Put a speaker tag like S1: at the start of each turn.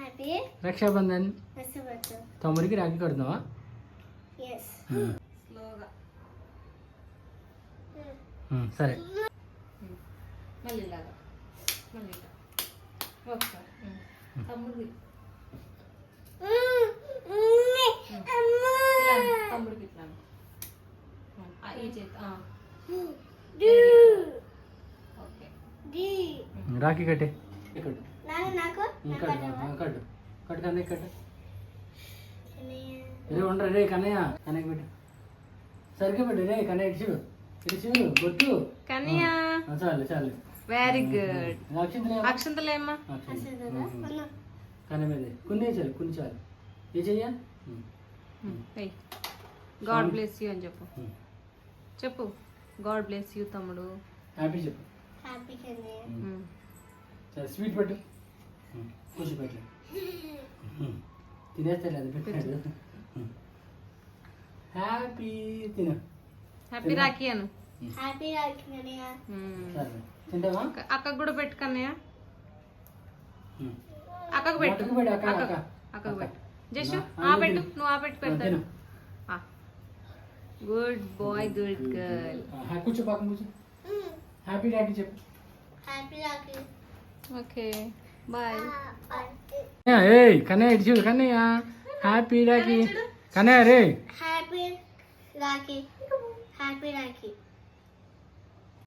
S1: రక్షాబంధన్. తమ్ముడికి రాఖీ కడుతున్నావా? సరే.
S2: మళ్ళీ ఇలాగా మళ్ళీ ఒకసారి తమ్ముడికి తమ్ముడికి ఇట్లా ఈ చేతి ఓకే
S1: రాఖీ కట్టే కట్టు కట్టు కన్నయ్య కట్టు. రే ఉండరా రే కన్నయ్య కన్నయ్య పెట్టు సరిగ్గా పెట్టు రే కన్నయ్య ఇటు చూడు బొట్టు కన్నయ్య చాలు చాలు.
S2: Very good. అక్షంతలేమ్మా
S1: కన్నయ్య మీద కొన్ని చాలు కొన్ని చాలు. ఏ చెయ్యా
S2: గాడ్ బ్లెస్ యూ అని చెప్పు. చెప్పు గాడ్ బ్లెస్ యూ తమ్ముడు.
S1: హ్యాపీ చెప్పు. సరే స్వీట్ పెట్టు కూర్చో పెట్టు తినేస్తాడు అది పెట్టాడు. హ్యాపీ తిన
S2: హ్యాపీ రాఖీ అను.
S1: తింటావా?
S2: అక్కకు కూడా పెట్టు కన్నయ్య. అక్కకు పెట్టు అక్కకు పెట్టు. జస్ట్ ఆ పెట్టు నువ్వు ఆ పెట్టు పెడతాను. Good boy good girl.
S1: కూర్చో పక్కన కూర్చో. హ్యాపీ రాఖీ చెప్పు.
S2: Okay bye.
S1: ఏయ్ కన్నయ్య ఇటు చూడు కన్నయ్య. హ్యాపీ రాఖీ కన్నయ్య రే.
S3: Happy Rakhi happy Rakhi.